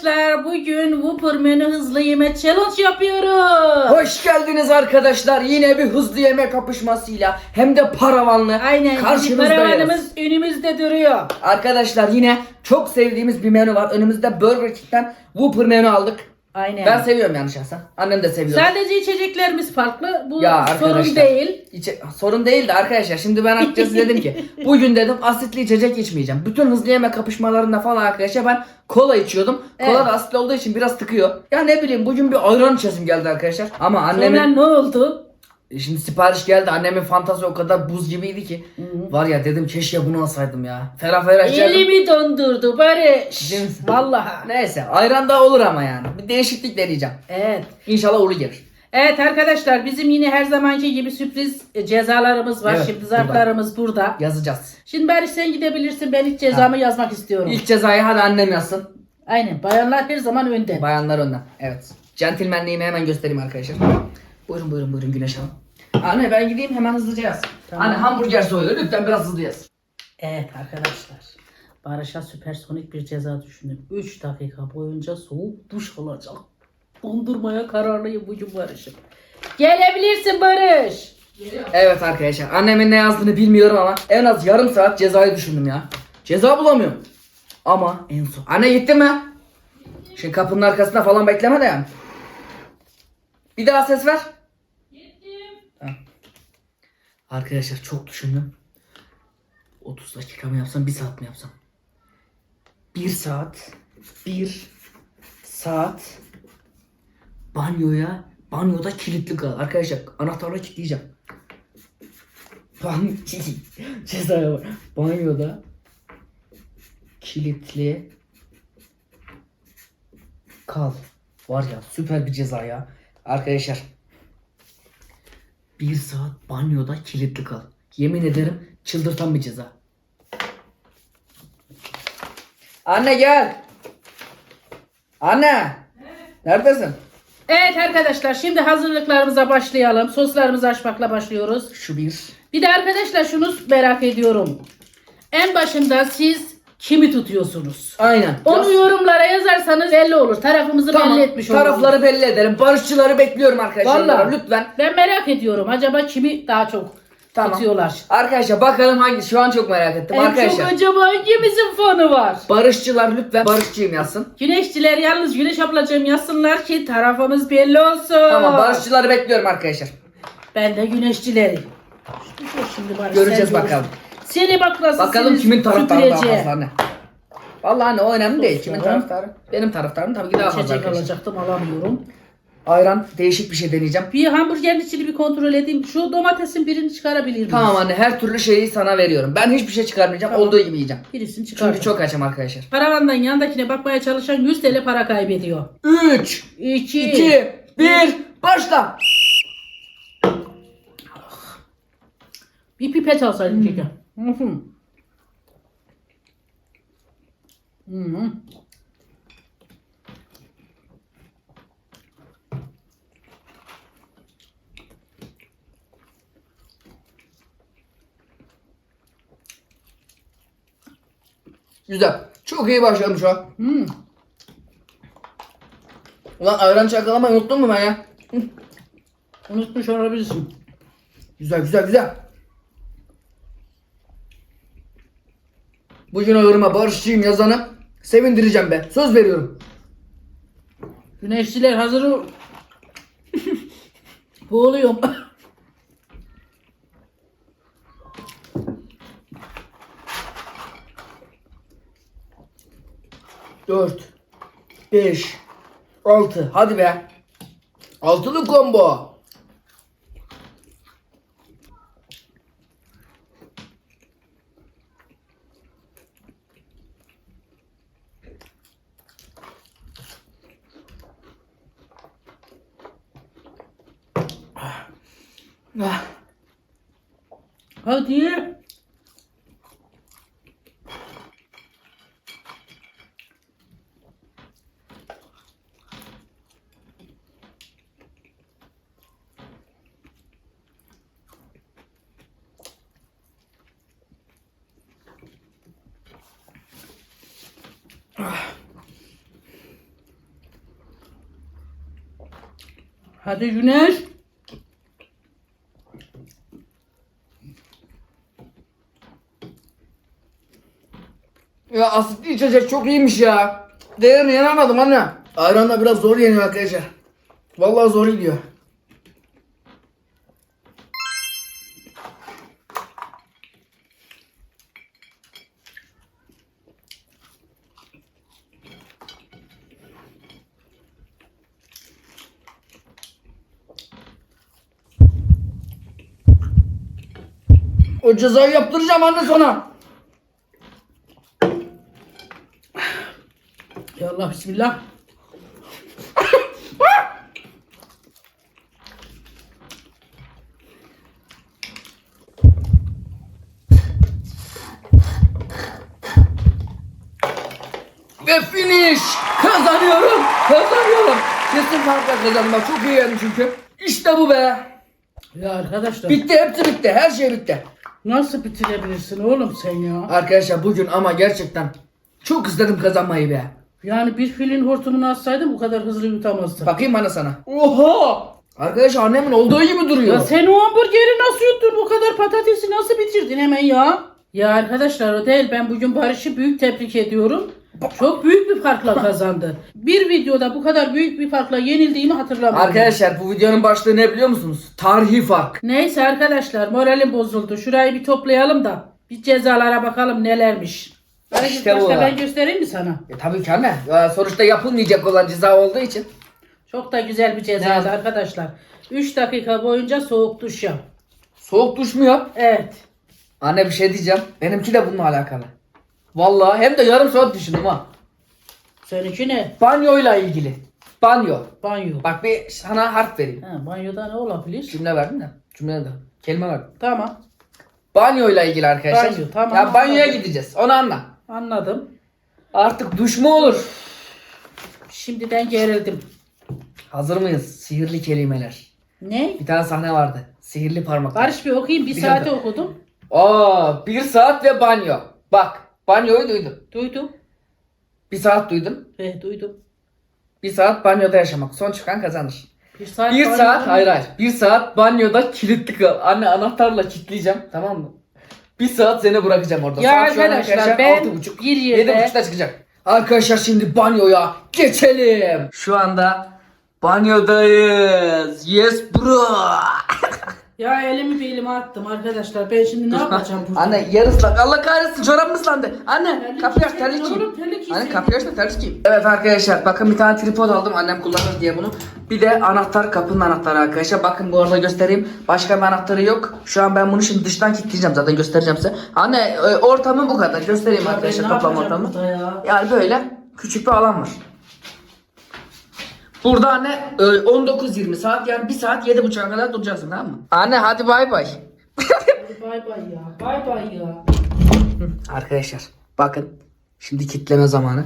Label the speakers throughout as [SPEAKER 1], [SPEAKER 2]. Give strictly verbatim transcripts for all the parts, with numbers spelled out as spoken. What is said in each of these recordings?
[SPEAKER 1] arkadaşlar, bugün Whopper menü hızlı yeme challenge yapıyoruz.
[SPEAKER 2] Hoş geldiniz arkadaşlar. Yine bir hızlı yeme kapışmasıyla hem de paravanlı
[SPEAKER 1] Aynen,
[SPEAKER 2] karşınızdayız.
[SPEAKER 1] paravanımız önümüzde duruyor.
[SPEAKER 2] Arkadaşlar yine çok sevdiğimiz bir menü var. Önümüzde Burger King'den Whopper menü aldık.
[SPEAKER 1] Aynen.
[SPEAKER 2] Ben seviyorum yani şahsen. Annem de seviyor.
[SPEAKER 1] Sadece içeceklerimiz farklı. Bu
[SPEAKER 2] Ya
[SPEAKER 1] sorun
[SPEAKER 2] arkadaşlar,
[SPEAKER 1] değil.
[SPEAKER 2] İçe- sorun değil de arkadaşlar, şimdi ben açıkçası dedim ki bugün dedim asitli içecek içmeyeceğim. Bütün hızlı yeme kapışmalarında falan arkadaşlar ben kola içiyordum. Kola
[SPEAKER 1] Evet.
[SPEAKER 2] da asitli olduğu için biraz tıkıyor. Ya ne bileyim, bugün bir ayran içesim geldi arkadaşlar. Ama annemin
[SPEAKER 1] Sonra ne oldu?
[SPEAKER 2] şimdi sipariş geldi, annemin fantezi o kadar buz gibiydi ki. Var ya dedim, keşke bunu alsaydım ya. Ferah ferah içerdim.
[SPEAKER 1] Elimi dondurdu Barış.
[SPEAKER 2] Değil misin?
[SPEAKER 1] Vallahi.
[SPEAKER 2] Neyse, ayran da olur ama yani. Bir değişiklik deneyeceğim.
[SPEAKER 1] Evet.
[SPEAKER 2] İnşallah uğurlu gelir.
[SPEAKER 1] Evet arkadaşlar, bizim yine her zamanki gibi sürpriz e, cezalarımız var.
[SPEAKER 2] Evet,
[SPEAKER 1] Şimdi zarflarımız burada.
[SPEAKER 2] Yazacağız.
[SPEAKER 1] Şimdi Barış sen gidebilirsin. Ben ilk cezamı yazmak istiyorum.
[SPEAKER 2] İlk cezayı hadi annem yazsın.
[SPEAKER 1] Aynen. Bayanlar her zaman önde.
[SPEAKER 2] Bayanlar önden. Evet. Centilmenliğimi hemen göstereyim arkadaşlar. Buyurun buyurun buyurun Güneş Hanım. Anne ben gideyim, hemen hızlıca yaz.
[SPEAKER 1] Tamam.
[SPEAKER 2] Anne hamburger soyuyor, lütfen biraz hızlı yaz.
[SPEAKER 1] Evet arkadaşlar. Barış'a süpersonik bir ceza düşündüm. üç dakika boyunca soğuk duş alacak. Dondurmaya kararlıyım bugün Barış'ım. Gelebilirsin Barış.
[SPEAKER 2] Evet arkadaşlar, annemin ne yazdığını bilmiyorum ama en az yarım saat cezayı düşündüm ya. Ceza bulamıyorum. Ama en son. Anne gitti mi? Şimdi kapının arkasında falan bekleme de yani. Bir daha ses ver. Tamam. Arkadaşlar çok düşündüm. otuz dakika mı yapsam, bir saat mi yapsam? bir saat. bir saat. Banyoya, banyoda kilitli kal. Arkadaşlar anahtarla kilitleyeceğim. Ban cezaya var. Banyoda kilitli kal. Var ya, süper bir ceza ya. Arkadaşlar bir saat banyoda kilitli kal. Yemin ederim çıldırtan bir ceza. Anne gel. Anne. Neredesin?
[SPEAKER 1] Evet arkadaşlar, şimdi hazırlıklarımıza başlayalım. Soslarımızı açmakla başlıyoruz.
[SPEAKER 2] Şu bir.
[SPEAKER 1] Bir de arkadaşlar şunu merak ediyorum. En başında siz kimi tutuyorsunuz?
[SPEAKER 2] Aynen.
[SPEAKER 1] Onu
[SPEAKER 2] Biraz-
[SPEAKER 1] yorumlara yazarsanız belli olur. Tarafımızı
[SPEAKER 2] Tamam,
[SPEAKER 1] belli etmiş oluruz.
[SPEAKER 2] tarafları belli ederim. Barışçıları bekliyorum arkadaşlar.
[SPEAKER 1] Vallahi.
[SPEAKER 2] Lütfen.
[SPEAKER 1] Ben merak ediyorum. Acaba kimi daha çok
[SPEAKER 2] Tamam.
[SPEAKER 1] tutuyorlar?
[SPEAKER 2] Arkadaşlar bakalım hangi, şu an çok merak ettim.
[SPEAKER 1] En
[SPEAKER 2] arkadaşlar.
[SPEAKER 1] çok acaba hangimizin fanı var?
[SPEAKER 2] Barışçılar lütfen barışçıyım yazsın.
[SPEAKER 1] Güneşçiler yalnız Güneş ablacığım yazsınlar ki tarafımız belli olsun.
[SPEAKER 2] Tamam, barışçıları bekliyorum arkadaşlar.
[SPEAKER 1] Ben de güneşçileri. Şimdi, şimdi Barış,
[SPEAKER 2] Göreceğiz
[SPEAKER 1] sen
[SPEAKER 2] bakalım.
[SPEAKER 1] görürsün. Seni bak nasıl
[SPEAKER 2] Bakalım
[SPEAKER 1] seni
[SPEAKER 2] kimin taraftarı daha
[SPEAKER 1] süpüreceğim.
[SPEAKER 2] fazla, anne. Vallahi anne, o önemli değil. Kimin
[SPEAKER 1] Dostlarım.
[SPEAKER 2] taraftarı? Benim taraftarım tabii ki daha fazla
[SPEAKER 1] İçecek
[SPEAKER 2] arkadaşlar.
[SPEAKER 1] alacaktım, alamıyorum.
[SPEAKER 2] Ayran, değişik bir şey deneyeceğim.
[SPEAKER 1] Bir hamburgerin içini bir kontrol edeyim. Şu domatesin birini çıkarabilir miyiz?
[SPEAKER 2] Tamam anne, her türlü şeyi sana veriyorum. Ben hiçbir şey çıkarmayacağım.
[SPEAKER 1] Tamam.
[SPEAKER 2] Olduğu gibi yiyeceğim.
[SPEAKER 1] Birisini çıkar.
[SPEAKER 2] Çünkü çok açım arkadaşlar.
[SPEAKER 1] Paravandan yandakine bakmaya çalışan yüz TL para kaybediyor.
[SPEAKER 2] üç,
[SPEAKER 1] iki,
[SPEAKER 2] iki, bir, başla.
[SPEAKER 1] Bir pipet alsaydın keşke. Hı hı. Hı hı.
[SPEAKER 2] Güzel. Çok iyi başladım şu an.
[SPEAKER 1] Hı.
[SPEAKER 2] Ulan ayran çakalamayı unuttun mu ben ya? Hı.
[SPEAKER 1] Unutmuş olabilirsin.
[SPEAKER 2] Güzel güzel güzel. Bugün o yoruma barışçıyım yazanı sevindireceğim be. Söz veriyorum.
[SPEAKER 1] Güneşçiler hazır ol. Boğuluyorum.
[SPEAKER 2] dört, beş, altı. Hadi be. Altılı combo. Ah.
[SPEAKER 1] Hadi. Hadi Güneş.
[SPEAKER 2] Ya asitli içecek çok iyiymiş ya. Değerini yenemedim anne. Ayranla biraz zor yeniyor arkadaşlar. Vallahi zor gidiyor. O cezayı yaptıracağım anne sana.
[SPEAKER 1] Ya Allah bismillah.
[SPEAKER 2] Ve finish. Kazanıyorum. Kazanıyorum. Kesin farkla kazanmak. Çok iyi yedim çünkü. İşte bu be.
[SPEAKER 1] Ya arkadaşlar.
[SPEAKER 2] Bitti, hepsi bitti. Her şey bitti.
[SPEAKER 1] Nasıl bitirebilirsin oğlum sen ya?
[SPEAKER 2] Arkadaşlar bugün ama gerçekten çok istedim kazanmayı be.
[SPEAKER 1] Yani bir filin hortumunu atsaydım bu kadar hızlı yutamazdım.
[SPEAKER 2] Bakayım bana sana. Oha! Arkadaşlar annemin olduğu gibi duruyor.
[SPEAKER 1] Ya sen o hamburgeri nasıl yuttun? Bu kadar patatesi nasıl bitirdin hemen ya? Ya arkadaşlar o değil. Ben bugün Barış'ı büyük tebrik ediyorum. Çok büyük bir farkla kazandı. Bir videoda bu kadar büyük bir farkla yenildiğimi hatırlamıyorum.
[SPEAKER 2] Arkadaşlar bu videonun başlığı ne biliyor musunuz? Tarihi fark.
[SPEAKER 1] Neyse arkadaşlar moralim bozuldu. Şurayı bir toplayalım da bir cezalara bakalım nelermiş. Barış,
[SPEAKER 2] İşte bu.
[SPEAKER 1] başta ben göstereyim mi sana?
[SPEAKER 2] E tabii ki anne. Ya, sonuçta yapılmayacak olan ceza olduğu için.
[SPEAKER 1] Çok da güzel bir cezaydı arkadaşlar. üç dakika boyunca soğuk duş yap.
[SPEAKER 2] Soğuk duş mu yap?
[SPEAKER 1] Evet.
[SPEAKER 2] Anne bir şey diyeceğim. Benimki de bununla alakalı. Vallahi hem de yarım saat düşündüm ha.
[SPEAKER 1] Seninki ne?
[SPEAKER 2] Banyoyla ilgili. Banyo.
[SPEAKER 1] Banyo.
[SPEAKER 2] Bak bir sana harf vereyim.
[SPEAKER 1] Ha, banyoda ne olabilir?
[SPEAKER 2] Cümle verdim de. Cümle de. Kelime verdim.
[SPEAKER 1] Tamam.
[SPEAKER 2] Banyoyla ilgili arkadaşlar.
[SPEAKER 1] Banyo, tamam.
[SPEAKER 2] Ya banyoya
[SPEAKER 1] Anladım.
[SPEAKER 2] gideceğiz. Onu anla.
[SPEAKER 1] Anladım.
[SPEAKER 2] Artık duş mu olur?
[SPEAKER 1] Şimdiden gerildim.
[SPEAKER 2] Hazır mıyız? Sihirli kelimeler.
[SPEAKER 1] Ne?
[SPEAKER 2] Bir tane sahne vardı. Sihirli parmaklar.
[SPEAKER 1] Barış bir okuyayım. Bir
[SPEAKER 2] Bir
[SPEAKER 1] saate
[SPEAKER 2] dakika.
[SPEAKER 1] okudum.
[SPEAKER 2] Aa, bir saat ve banyo. Bak, banyoyu duydum.
[SPEAKER 1] Duydum.
[SPEAKER 2] Bir saat duydum.
[SPEAKER 1] Ve duydum.
[SPEAKER 2] Bir saat banyoda yaşamak. Son çıkan kazanır.
[SPEAKER 1] Bir saat.
[SPEAKER 2] Bir
[SPEAKER 1] banyo-
[SPEAKER 2] saat, hayır hayır. Bir saat banyoda kilitli kal. Anne anahtarla kilitleyeceğim. Tamam mı? Bir saat seni bırakacağım orada.
[SPEAKER 1] Ya
[SPEAKER 2] Saat şu an
[SPEAKER 1] arkadaşlar, ben
[SPEAKER 2] altı buçuk.
[SPEAKER 1] bir yerde-
[SPEAKER 2] Yedi buçukta çıkacak. Arkadaşlar şimdi banyoya geçelim. Şu anda banyodayız. Yes bro.
[SPEAKER 1] Ya elimi bir elime attım arkadaşlar. Ben şimdi ne yapacağım burada?
[SPEAKER 2] Anne yer ıslak. Allah kahretsin çorabım ıslandı. Anne
[SPEAKER 1] Terlik
[SPEAKER 2] kapıyı aç
[SPEAKER 1] giyseydin
[SPEAKER 2] terlik giy.
[SPEAKER 1] oğlum, terlik
[SPEAKER 2] Anne
[SPEAKER 1] giyseydin.
[SPEAKER 2] kapıyı aç da terlik giy. Evet arkadaşlar bakın bir tane tripod aldım annem kullanır diye bunu. Bir de anahtar kapının anahtarı arkadaşlar. Bakın bu arada göstereyim. Başka bir anahtarı yok. Şu an ben bunu şimdi dıştan kilitleyeceğim zaten göstereceğim size. Anne e, ortamı bu kadar. Göstereyim
[SPEAKER 1] Ya ben
[SPEAKER 2] arkadaşlar
[SPEAKER 1] ne
[SPEAKER 2] toplam
[SPEAKER 1] yapacağım
[SPEAKER 2] ortamı.
[SPEAKER 1] burada ya?
[SPEAKER 2] Yani böyle küçük bir alan var. Burada anne e, on dokuz yirmi saat yani bir saat yedi buçuğa kadar duracaksın tamam mı? Anne hadi bay bay.
[SPEAKER 1] Hadi bay bay ya. Bay bay ya.
[SPEAKER 2] Arkadaşlar bakın şimdi kitleme zamanı.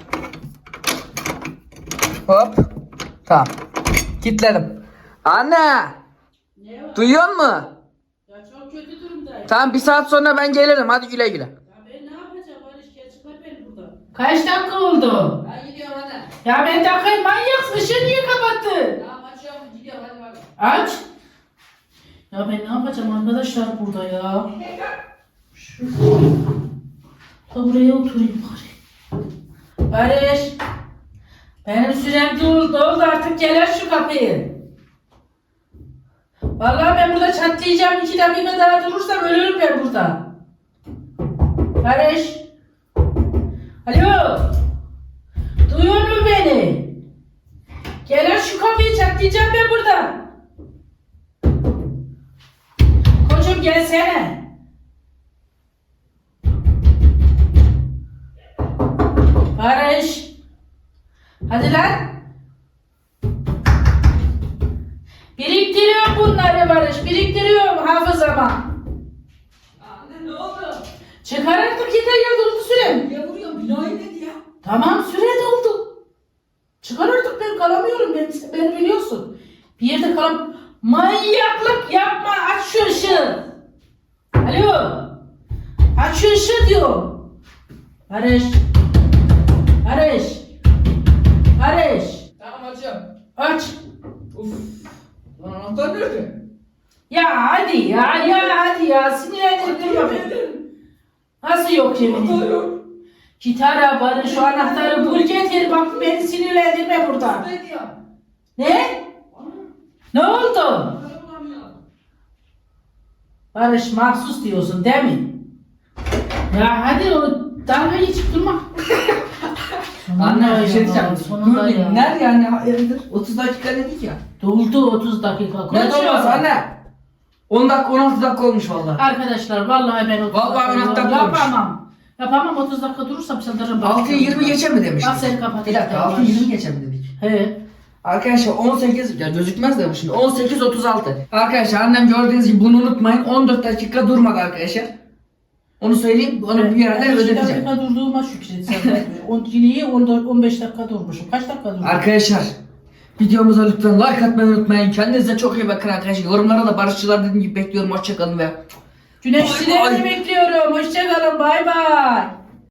[SPEAKER 2] Hop. Tamam. Kitledim. Anne
[SPEAKER 1] Ne var?
[SPEAKER 2] duyuyor musun?
[SPEAKER 1] Ya çok kötü durumdayım.
[SPEAKER 2] Tamam bir saat sonra ben gelirim hadi güle güle.
[SPEAKER 1] Ya ben ne yapacağım Barış? Gel çıkar beni buradan. Kaç dakika oldu?
[SPEAKER 2] Ben gidiyorum anne.
[SPEAKER 1] Ya ben dakikayı manyaksın. Işığı niye kapattın?
[SPEAKER 2] Tamam açıyorum gidiyorum hadi bak.
[SPEAKER 1] Aç. Ya ben ne yapacağım arkadaşlar burada ya? Şu da buraya oturayım bari. Barış. Benim sürem doldu, doldu artık gel aç şu kapıyı. Vallahi ben burada çatlayacağım. iki dakika daha durursam ölürüm ben burada. Barış. Alo. Duyuyor musun beni? Gel aç şu kapıyı çatlayacağım ben burada. Koçum gelsene. Barış. Hadi lan. Biriktiriyorum bunları Barış. Biriktiriyorum hafızama.
[SPEAKER 2] Anne ne oldu?
[SPEAKER 1] Çıkar artık yeter ya doldu sürem.
[SPEAKER 2] Niye vuruyorsun binayı ne ya?
[SPEAKER 1] Tamam süre doldu. Çıkar artık ben kalamıyorum. Ben, beni biliyorsun. Bir yerde kalam... Manyaklık yapma. Aç şu ışığı. Alo. Aç şu ışığı diyorum. Barış. Barış. Barış.
[SPEAKER 2] Tamam açıyorum.
[SPEAKER 1] Aç.
[SPEAKER 2] Uf.
[SPEAKER 1] Ya hadi ya ya hadi ya sinirlendirip durma beni. Nasıl yok yemin ederim? Gitara bana şu anahtarı bul getir bak beni sinirlendirme burada. Ne? Ne oldu? Barış mahsus diyorsun değil mi? Ya hadi onu dalga geçip durma.
[SPEAKER 2] Anne bir şey diyeceğim.
[SPEAKER 1] Sonunda
[SPEAKER 2] Dur
[SPEAKER 1] ya.
[SPEAKER 2] bir nerede yani hayırdır? otuz dakika dedik ya.
[SPEAKER 1] Doldu otuz dakika.
[SPEAKER 2] Ne
[SPEAKER 1] Konuşuyoruz.
[SPEAKER 2] olmaz anne? on dakika on altı dakika olmuş vallahi.
[SPEAKER 1] Arkadaşlar vallahi ben otuz
[SPEAKER 2] Vallahi
[SPEAKER 1] dakika
[SPEAKER 2] on dakika olmuş.
[SPEAKER 1] yapamam. Yapamam otuz dakika durursam saldırırım.
[SPEAKER 2] altıya yirmi geçe mi demiştik?
[SPEAKER 1] Bak seni kapat.
[SPEAKER 2] Bir dakika altıya yirmi geçe mi dedik?
[SPEAKER 1] He.
[SPEAKER 2] Arkadaşlar on sekiz ya gözükmez de bu şimdi on sekiz otuz altı. Arkadaşlar annem gördüğünüz gibi bunu unutmayın on dört dakika durmadı arkadaşlar. Onu söyleyeyim onu bir yerde
[SPEAKER 1] on beş
[SPEAKER 2] ödeteceğim.
[SPEAKER 1] dakika durduğuma şükret sen. on yine on beş dakika durmuşum. Kaç dakika durdum?
[SPEAKER 2] Arkadaşlar videomuza lütfen like atmayı unutmayın. Kendinize çok iyi bakın arkadaşlar. Yorumlara da barışçılar dediğim gibi bekliyorum. Hoşçakalın ve
[SPEAKER 1] Güneşçilerini bekliyorum. Hoşçakalın. Bay bay.